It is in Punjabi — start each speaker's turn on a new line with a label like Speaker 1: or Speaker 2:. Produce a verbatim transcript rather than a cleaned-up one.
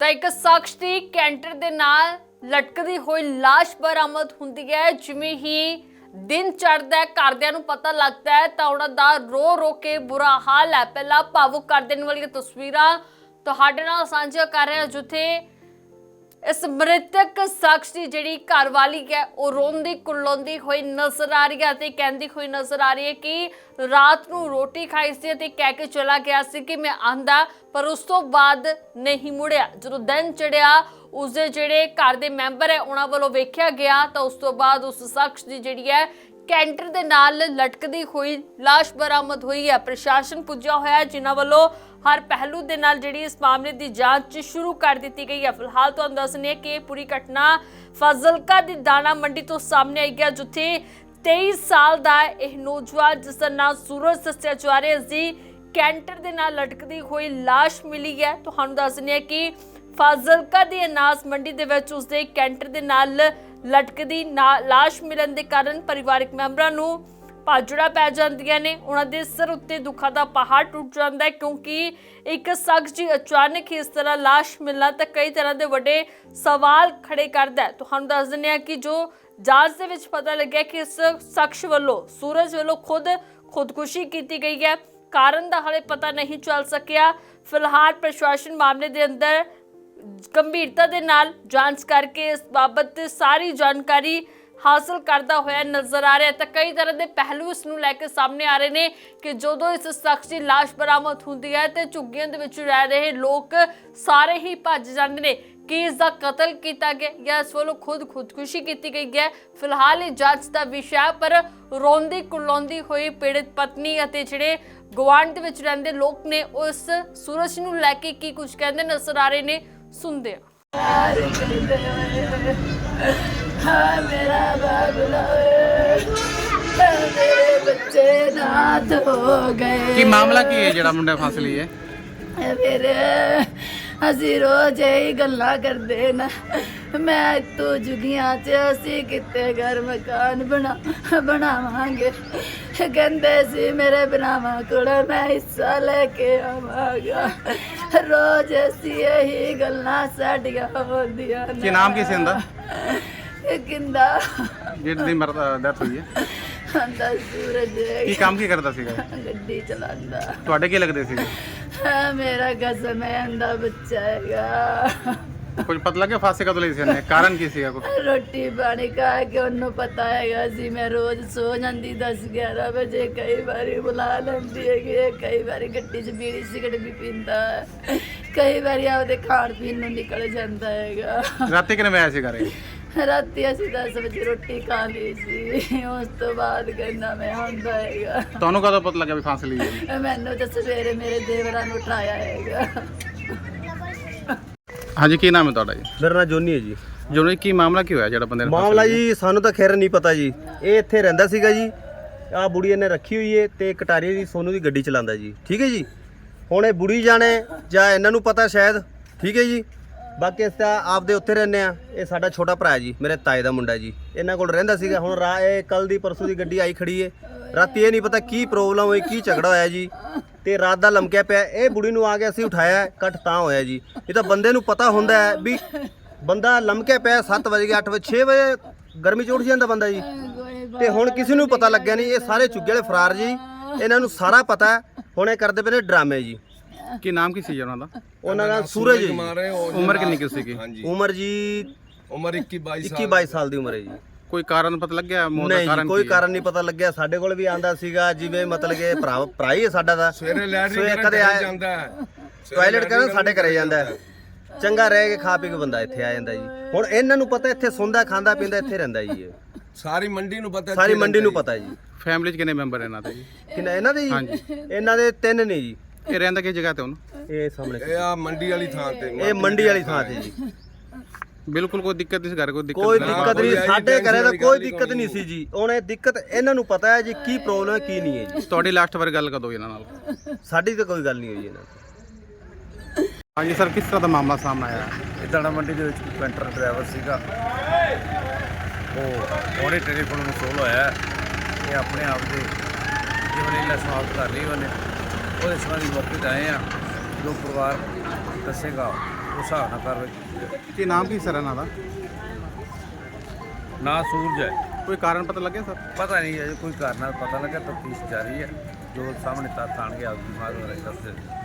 Speaker 1: ਤਾਂ ਇੱਕ ਸ਼ਖਸ ਦੀ ਕੈਂਟਰ ਦੇ ਨਾਲ ਲਟਕਦੀ ਹੋਈ ਲਾਸ਼ ਬਰਾਮਦ ਹੁੰਦੀ ਹੈ। ਜਿਵੇਂ ਹੀ ਦਿਨ ਚੜ੍ਹਦਾ ਹੈ, ਘਰਦਿਆਂ ਨੂੰ ਪਤਾ ਲੱਗਦਾ ਹੈ ਤਾਂ ਉਹਨਾਂ ਦਾ ਰੋ ਰੋ ਕੇ ਬੁਰਾ ਹਾਲ ਹੈ। ਪਹਿਲਾਂ ਭਾਵੁਕ ਕਰ ਦੇਣ ਵਾਲੀਆਂ ਤਸਵੀਰਾਂ ਤੁਹਾਡੇ ਨਾਲ ਸਾਂਝਾ ਕਰ ਰਹੇ ਹਾਂ, ਜਿੱਥੇ ਇਸ ਮ੍ਰਿਤਕ ਸ਼ਖਸ ਦੀ ਜਿਹੜੀ ਘਰਵਾਲੀ ਹੈ ਉਹ ਰੋਂਦੀ ਕੁਰਲਾਉਂਦੀ ਹੋਈ ਨਜ਼ਰ ਆ ਰਹੀ ਹੈ ਤੇ ਕਹਿੰਦੀ ਹੋਈ ਨਜ਼ਰ ਆ ਰਹੀ ਹੈ ਕਿ ਰਾਤ ਨੂੰ ਰੋਟੀ ਖਾਈ ਸੀ ਤੇ ਕਹਿ ਕੇ ਚਲਾ ਗਿਆ ਸੀ ਕਿ ਮੈਂ ਆਂਦਾ, ਪਰ ਉਸ ਤੋਂ ਬਾਅਦ ਨਹੀਂ ਮੁੜਿਆ। ਜਦੋਂ ਦਿਨ ਚੜਿਆ ਉਸਦੇ ਜਿਹੜੇ ਘਰ ਦੇ ਮੈਂਬਰ ਹੈ ਉਹਨਾਂ ਵੱਲੋਂ ਵੇਖਿਆ ਗਿਆ ਤਾਂ ਉਸ ਤੋਂ ਬਾਅਦ ਉਸ ਸ਼ਖਸ ਦੀ ਜਿਹੜੀ ਹੈ ਕੈਂਟਰ ਦੇ ਨਾਲ ਲਟਕਦੀ ਹੋਈ ਲਾਸ਼ ਬਰਾਮਦ ਹੋਈ ਹੈ। ਪ੍ਰਸ਼ਾਸਨ ਪੁੱਜਾ ਹੋਇਆ ਹੈ, ਜਿਨ੍ਹਾਂ ਵੱਲੋਂ ਹਰ ਪਹਿਲੂ ਦੇ ਨਾਲ ਜਿਹੜੀ ਇਸ ਮਾਮਲੇ ਦੀ ਜਾਂਚ ਸ਼ੁਰੂ ਕਰ ਦਿੱਤੀ ਗਈ ਹੈ। ਫਿਲਹਾਲ ਤੁਹਾਨੂੰ ਦੱਸਣੀ ਹੈ ਕਿ ਇਹ ਪੂਰੀ ਘਟਨਾ ਫਾਜ਼ਿਲਕਾ ਦੀ ਦਾਣਾ ਮੰਡੀ ਤੋਂ ਸਾਹਮਣੇ ਆਈ ਹੈ, ਜਿੱਥੇ ਤੇਈ ਸਾਲ ਦਾ ਇਹ ਨੌਜਵਾਨ ਜਿਸ ਦਾ ਨਾਮ ਸੂਰਜ ਦੱਸਿਆ ਜਾ ਰਿਹਾ ਸੀ, ਕੈਂਟਰ ਦੇ ਨਾਲ ਲਟਕਦੀ ਹੋਈ ਲਾਸ਼ ਮਿਲੀ ਹੈ। ਤੁਹਾਨੂੰ ਦੱਸਣੀ ਹੈ ਕਿ ਫਾਜ਼ਿਲਕਾ ਦੀ ਅਨਾਜ ਮੰਡੀ ਦੇ ਵਿੱਚ ਉਸਦੇ ਕੈਂਟਰ ਦੇ ਨਾਲ ਲਟਕਦੀ ਲਾਸ਼ ਮਿਲਣ ਦੇ ਕਾਰਨ ਪਰਿਵਾਰਕ ਮੈਂਬਰਾਂ ਨੂੰ ਭਾਜੜਾ ਪੈ ਜਾਂਦੀਆਂ ਨੇ। ਉਹਨਾਂ ਦੇ ਸਿਰ ਉੱਤੇ ਦੁੱਖਾਂ ਦਾ ਪਹਾੜ ਟੁੱਟ ਜਾਂਦਾ ਹੈ, ਕਿਉਂਕਿ ਇੱਕ ਸ਼ਖਸ ਦੀ ਅਚਾਨਕ ਹੀ ਇਸ ਤਰ੍ਹਾਂ ਲਾਸ਼ ਮਿਲਣਾ ਤਾਂ ਕਈ ਤਰ੍ਹਾਂ ਦੇ ਵੱਡੇ ਸਵਾਲ ਖੜੇ ਕਰਦਾ ਹੈ। ਤੁਹਾਨੂੰ ਦੱਸ ਦਿੰਦੇ ਹਾਂ ਕਿ ਜੋ ਜਾਂਚ ਦੇ ਵਿੱਚ ਪਤਾ ਲੱਗਿਆ ਕਿ ਇਸ ਸ਼ਖਸ ਵੱਲੋਂ ਸੂਰਜ ਵੱਲੋਂ ਖੁਦ ਖੁਦਕੁਸ਼ੀ ਕੀਤੀ ਗਈ ਹੈ। ਕਾਰਨ ਦਾ ਹਾਲੇ ਪਤਾ ਨਹੀਂ ਚੱਲ ਸਕਿਆ। ਫਿਲਹਾਲ ਪ੍ਰਸ਼ਾਸਨ ਮਾਮਲੇ ਦੇ ਅੰਦਰ ਗੰਭੀਰਤਾ ਦੇ ਨਾਲ ਜਾਂਚ ਕਰਕੇ ਇਸ ਬਾਬਤ ਸਾਰੀ ਜਾਣਕਾਰੀ ਹਾਸਲ ਕਰਦਾ ਹੋਇਆ ਨਜ਼ਰ ਆ ਰਿਹਾ। ਤਾਂ ਕਈ ਤਰ੍ਹਾਂ ਦੇ ਪਹਿਲੂ ਇਸ ਨੂੰ ਲੈ ਕੇ ਸਾਹਮਣੇ ਆ ਰਹੇ ਨੇ ਕਿ ਜਦੋਂ ਇਸ ਸ਼ਖਸ ਦੀ ਲਾਸ਼ ਬਰਾਮਦ ਹੁੰਦੀ ਹੈ ਤੇ ਝੁੱਗੀਆਂ ਦੇ ਵਿੱਚ ਰਹਿ ਰਹੇ ਲੋਕ ਸਾਰੇ ਹੀ ਭੱਜ ਜਾਂਦੇ ਨੇ ਕਿ ਇਸ ਦਾ ਕਤਲ ਕੀਤਾ ਗਿਆ ਜਾਂ ਇਸ ਵੱਲੋਂ ਖੁਦ ਖੁਦਕੁਸ਼ੀ ਕੀਤੀ ਗਈ ਹੈ। ਫਿਲਹਾਲ ਇਹ ਜਾਂਚ ਦਾ ਵਿਸ਼ਾ, ਪਰ ਰੋਂਦੀ ਕੁਰਲਾਉਂਦੀ ਹੋਈ ਪੀੜਤ ਪਤਨੀ ਅਤੇ ਜਿਹੜੇ ਗੁਆਂਢ ਦੇ ਵਿੱਚ ਰਹਿੰਦੇ ਲੋਕ ਨੇ ਉਸ ਸੂਰਜ ਨੂੰ ਲੈ ਕੇ ਕੀ ਕੁਝ ਕਹਿੰਦੇ ਨਜ਼ਰ ਆ ਰਹੇ ਨੇ, ਸੁਣਦੇ ਆ।
Speaker 2: हाँ मेरा बाबला मेरे बच्चे नाथ हो गए।
Speaker 3: ਕੀ ਮਾਮਲਾ ਕੀ ਹੈ ਜਿਹੜਾ ਮੁੰਡਾ ਫਸ ਲਈ ਹੈ?
Speaker 2: मेरे ਅਸੀਂ ਰੋਜ਼ ਇਹੀ ਗੱਲਾਂ ਕਰਦੇ ਨਾ, ਮੈਂ ਤੂੰ ਜੁਗੀਆਂ ਚ ਅਸੀਂ ਕਿਤੇ ਘਰ ਮਕਾਨ ਬਣਾ ਬਣਾਵਾਂਗੇ। ਕਹਿੰਦੇ ਸੀ ਮੇਰੇ ਬਣਾਵਾਂ ਕੋਲ ਮੈਂ ਹਿੱਸਾ ਲੈ ਕੇ ਆਵਾਂਗਾ। ਰੋਜ਼ ਅਸੀਂ ਇਹੀ ਗੱਲਾਂ ਸਾਡੀਆਂ ਹੁੰਦੀਆਂ ਨੇ।
Speaker 3: ਕੀ ਨਾਮ ਕੀ ਸੀ ਇਹਦਾ
Speaker 2: ਕਿੰਦਾ
Speaker 3: ਜਿਹਦੀ ਮਰਦਾ ਡੈਥ ਹੋਈ ਹੈ?
Speaker 2: ਆਂਦਾ ਸੂਰਜ।
Speaker 3: ਕੀ ਕੰਮ ਕੀ ਕਰਦਾ ਸੀਗਾ?
Speaker 2: ਗੱਡੀ ਚਲਾਉਂਦਾ।
Speaker 3: ਤੁਹਾਡੇ ਕੀ ਲੱਗਦੇ ਸੀਗੇ?
Speaker 2: ਹਾਂ, ਮੇਰਾ ਕਸਮ ਹੈ ਆਂਦਾ ਬੱਚਾ ਹੈਗਾ।
Speaker 3: ਕੁਝ ਪਤਾ ਲੱਗਿਆ ਫਾਸੇ ਕਦੋਂ ਲਈ ਸੀ ਇਹਨੇ? ਕਾਰਨ ਕੀ ਸੀਗਾ ਕੋਈ?
Speaker 2: ਰੋਟੀ ਪਾਣੀ ਖਾ ਕੇ ਉਹਨੂੰ ਪਤਾ ਹੈਗਾ ਸੀ ਮੈਂ ਰੋਜ਼ ਸੋ ਜਾਂਦੀ ਦਸ ਗਿਆਰਾਂ ਵਜੇ, ਕਈ ਵਾਰੀ ਬੁਲਾ ਲੈਂਦੀ ਹੈਗੀ, ਕਈ ਵਾਰੀ ਗੱਡੀ 'ਚ ਬੀੜੀ ਸਿਗਰਟ ਵੀ ਪੀਂਦਾ, ਕਈ ਵਾਰੀ ਆਪਦੇ ਖਾਣ ਪੀਣ ਨੂੰ ਨਿਕਲ ਜਾਂਦਾ ਹੈਗਾ।
Speaker 3: ਰਾਤੀ ਕਿੰਨੇ ਵਜੇ ਆਇਆ ਸੀ ਘਰੇ?
Speaker 2: ਰਾਤੀ ਅਸੀਂ ਦਸ ਵਜੇ ਰੋਟੀ ਖਾ ਲਈ ਸੀ, ਉਸ ਤੋਂ ਬਾਅਦ ਕਹਿੰਦਾ ਮੈਂ ਆਉਂਦਾ ਹੈਗਾ।
Speaker 3: ਤੁਹਾਨੂੰ ਕਦੋਂ ਪਤਾ ਲੱਗਿਆ ਵੀ ਫਾਂਸ ਲਈ ਹੈ?
Speaker 2: ਮੈਨੂੰ ਤਾਂ ਸਵੇਰੇ ਮੇਰੇ ਦੇਵਰਾਂ ਨੂੰ ਉਠਾਇਆ ਹੈਗਾ।
Speaker 3: ਹਾਂਜੀ, ਕੀ ਨਾਮ ਹੈ ਤੁਹਾਡਾ ਜੀ?
Speaker 4: ਮੇਰਾ ਨਾਮ ਜੋਨੀ ਹੈ ਜੀ।
Speaker 3: ਜੋਨੀ, ਕੀ ਮਾਮਲਾ ਕੀ ਹੋਇਆ ਜਿਹੜਾ ਬੰਦੇ ਨੇ ਫਾਂਸ
Speaker 4: ਮਾਮਲਾ
Speaker 3: ਲਈ?
Speaker 4: ਜੀ ਸਾਨੂੰ ਤਾਂ ਖੈਰ ਨਹੀਂ ਪਤਾ ਜੀ। ਇਹ ਇੱਥੇ ਰਹਿੰਦਾ ਸੀਗਾ ਜੀ, ਆਹ ਬੁੜੀ ਇਹਨੇ ਰੱਖੀ ਹੋਈ ਹੈ ਤੇ ਕਟਾਰੀਏ ਦੀ ਸੋਨੂ ਦੀ ਗੱਡੀ ਚਲਾਉਂਦਾ ਜੀ। ਠੀਕ ਹੈ ਜੀ, ਹੁਣ ਇਹ ਬੁੜੀ ਜਾਣੇ ਜਾਂ ਇਹਨਾਂ ਨੂੰ ਪਤਾ ਸ਼ਾਇਦ। ਠੀਕ ਹੈ ਜੀ, ਬਾਕੀ ਅਸੀਂ ਤਾਂ ਆਪਦੇ ਉੱਥੇ ਰਹਿੰਦੇ ਆ। ਇਹ ਸਾਡਾ ਛੋਟਾ ਭਰਾ ਜੀ, ਮੇਰੇ ਤਾਏ ਦਾ ਮੁੰਡਾ ਜੀ, ਇਹਨਾਂ ਕੋਲ ਰਹਿੰਦਾ ਸੀਗਾ। ਹੁਣ ਰਾ ਇਹ ਕੱਲ ਦੀ ਪਰਸੋਂ ਦੀ ਗੱਡੀ ਆਈ ਖੜੀ ਹੈ। ਰਾਤੀ ਇਹ ਨਹੀਂ ਪਤਾ ਕੀ ਪ੍ਰੋਬਲਮ ਹੋਈ, ਕੀ ਝਗੜਾ ਹੋਇਆ ਜੀ, ਤੇ ਰਾਤ ਦਾ ਲਮਕਿਆ ਪਿਆ। ਇਹ ਬੁੜੀ ਨੂੰ ਆ ਕੇ ਅਸੀਂ ਉਠਾਇਆ, ਕੱਟ ਤਾਂ ਹੋਇਆ ਜੀ। ਇਹ ਤਾਂ ਬੰਦੇ ਨੂੰ ਪਤਾ ਹੁੰਦਾ ਹੈ ਵੀ ਬੰਦਾ ਲਮਕਿਆ ਪਿਆ ਸੱਤ ਵਜੇ ਅੱਠ ਵਜੇ ਛੇ ਵਜੇ ਗਰਮੀ 'ਚ ਉੱਠ ਜਾਂਦਾ ਬੰਦਾ ਜੀ। ਤੇ ਹੁਣ ਕਿਸੇ ਨੂੰ ਪਤਾ ਲੱਗਿਆ ਨਹੀਂ। ਇਹ ਸਾਰੇ ਚੁੱਗੇ ਵਾਲੇ ਫਰਾਰ ਜੀ, ਇਹਨਾਂ ਨੂੰ ਸਾਰਾ ਪਤਾ। ਹੁਣ ਇਹ ਕਰਦੇ ਪਏ ਨੇ ਡਰਾਮੇ ਜੀ।
Speaker 3: ਕੀ ਨਾਮ ਕੀ ਸੀ ਉਹਨਾਂ ਦਾ?
Speaker 4: ਉਹਨਾਂ ਦਾ ਸੂਰਜ ਜੀ।
Speaker 3: ਉਮਰ ਕਿੰਨੀ ਕੀ ਸੀਗੀ?
Speaker 4: ਉਮਰ ਜੀ
Speaker 5: ਉਮਰ ਇੱਕੀ ਬਾਈ
Speaker 4: ਇੱਕੀ ਬਾਈ ਸਾਲ ਦੀ ਉਮਰ ਹੈ ਜੀ।
Speaker 3: ਕੋਈ ਕਾਰਨ ਪਤਾ ਲੱਗਿਆ ਮੌਤ ਦਾ?
Speaker 4: ਨਹੀਂ
Speaker 3: ਕਾਰਨ
Speaker 4: ਜੀ, ਕੋਈ
Speaker 3: ਕੀ ਹੈ?
Speaker 4: ਕਾਰਨ ਨਹੀਂ ਪਤਾ ਲੱਗਿਆ। ਸਾਡੇ ਕੋਲ ਵੀ ਆਂਦਾ ਸੀਗਾ, ਜਿਵੇਂ ਮਤਲਬ ਕਿ ਭਰਾ ਭਰਾ ਹੀ ਹੈ ਸਾਡਾ ਦਾ।
Speaker 5: ਸਵੇਰੇ ਲੈਟਰਿੰਗ
Speaker 4: ਸਵੇਰੇ
Speaker 5: ਕਰਨ
Speaker 4: ਕਦੇ ਆਇਆ
Speaker 5: ਜਾਂਦਾ ਹੈ,
Speaker 4: ਟਾਇਲਟ ਕਰਨ ਸਾਡੇ ਘਰੇ ਜਾਂਦਾ ਹੈ। ਚੰਗਾ ਰਹਿ ਕੇ ਖਾ ਪੀ ਕੇ ਬੰਦਾ ਇੱਥੇ ਆ ਜਾਂਦਾ ਜੀ। ਹੁਣ ਇਹਨਾਂ ਨੂੰ ਪਤਾ ਇੱਥੇ ਸੌਂਦਾ ਖਾਂਦਾ ਪੀਂਦਾ ਇੱਥੇ ਰਹਿੰਦਾ ਜੀ। ਇਹ
Speaker 5: ਸਾਰੀ ਮੰਡੀ ਨੂੰ ਪਤਾ,
Speaker 4: ਸਾਰੀ ਮੰਡੀ ਨੂੰ ਪਤਾ ਜੀ।
Speaker 3: ਫੈਮਿਲੀ 'ਚ ਕਿੰਨੇ ਮੈਂਬਰ ਇਹਨਾਂ ਦੇ ਜੀ?
Speaker 4: ਕਿੰਨਾ ਇਹਨਾਂ ਦੇ
Speaker 3: ਹਾਂਜੀ।
Speaker 4: ਜੀ? ਇਹਨਾਂ ਦੇ ਤਿੰਨ ਨੇ ਜੀ।
Speaker 3: ਇਹ ਰਹਿੰਦਾ ਕਿਸ ਜਗ੍ਹਾ ਤੇ ਹੁਣ?
Speaker 4: ਇਹ ਸਾਹਮਣੇ
Speaker 5: ਇਹ ਆ ਮੰਡੀ ਵਾਲੀ ਥਾਂ ਤੇ।
Speaker 4: ਇਹ ਮੰਡੀ ਵਾਲੀ ਥਾਂ ਤੇ ਜੀ।
Speaker 3: ਬਿਲਕੁਲ ਕੋਈ ਦਿੱਕਤ ਨਹੀਂ ਸੀ ਘਰ? ਕੋਈ ਦਿੱਕਤ
Speaker 4: ਕੋਈ
Speaker 3: ਨਹੀਂ?
Speaker 4: ਦਿੱਕਤ ਨਹੀਂ ਸਾਡੇ ਘਰੇ ਤਾਂ ਕੋਈ ਦਿੱਕਤ ਨਹੀਂ ਸੀ ਜੀ। ਹੁਣ ਇਹ ਦਿੱਕਤ ਇਹਨਾਂ ਨੂੰ ਪਤਾ ਹੈ ਜੀ, ਕੀ ਪ੍ਰੋਬਲਮ ਹੈ ਕੀ ਨਹੀਂ ਹੈ ਜੀ।
Speaker 3: ਤੁਹਾਡੀ ਲਾਸਟ ਵਾਰ ਗੱਲ ਕਦੋਂ ਹੋਈ ਇਹਨਾਂ ਨਾਲ?
Speaker 4: ਸਾਡੀ ਤਾਂ ਕੋਈ ਗੱਲ ਨਹੀਂ ਹੋਈ ਇਹਨਾਂ ਨਾਲ।
Speaker 3: ਹਾਂਜੀ ਸਰ, ਕਿਸ ਤਰ੍ਹਾਂ ਦਾ ਮਾਮਲਾ ਸਾਹਮਣੇ ਆਇਆ?
Speaker 6: ਇਹ ਦਾਣਾ ਮੰਡੀ ਦੇ ਵਿੱਚ ਕੈਂਟਰ ਡਰਾਈਵਰ ਸੀਗਾ, ਉਹ ਉਹਨੇ ਟੈਲੀਫੋਨ ਮਸੂਲ ਹੋਇਆ ਕਿ ਆਪਣੇ ਆਪ ਦੇ ਜੀਵਨ ਲੀਲਾ ਸਮਾਪਤ ਕਰ ਲਈ ਉਹਨੇ। ਉਹਦੇ ਸੰਬੰਧੀ ਮੌਕੇ 'ਤੇ ਆਏ ਆ। ਜੋ ਪਰਿਵਾਰ ਦੱਸੇਗਾ ਉਸ ਹਿਸਾਬ ਨਾਲ ਕਾਰਵਾਈ ਕੀਤੀ ਜਾਏ।
Speaker 3: ਕੀ ਨਾਮ ਕੀ ਸਰ ਇਹਨਾਂ ਦਾ?
Speaker 6: ਨਾ ਸੂਰਜ ਹੈ,
Speaker 3: ਕੋਈ ਕਾਰਨ ਪਤਾ ਲੱਗਿਆ ਸਰ?
Speaker 6: ਪਤਾ ਨਹੀਂ ਅਜੇ ਕੋਈ ਕਾਰਨ ਨਾਲ ਪਤਾ ਲੱਗਾ, ਤਫਤੀਸ਼ ਜਾਰੀ ਹੈ। ਜੋ ਸਾਹਮਣੇ ਤੱਥ ਆਣਗੇ ਆਪਦੀ ਮਾਰ ਦੱਸ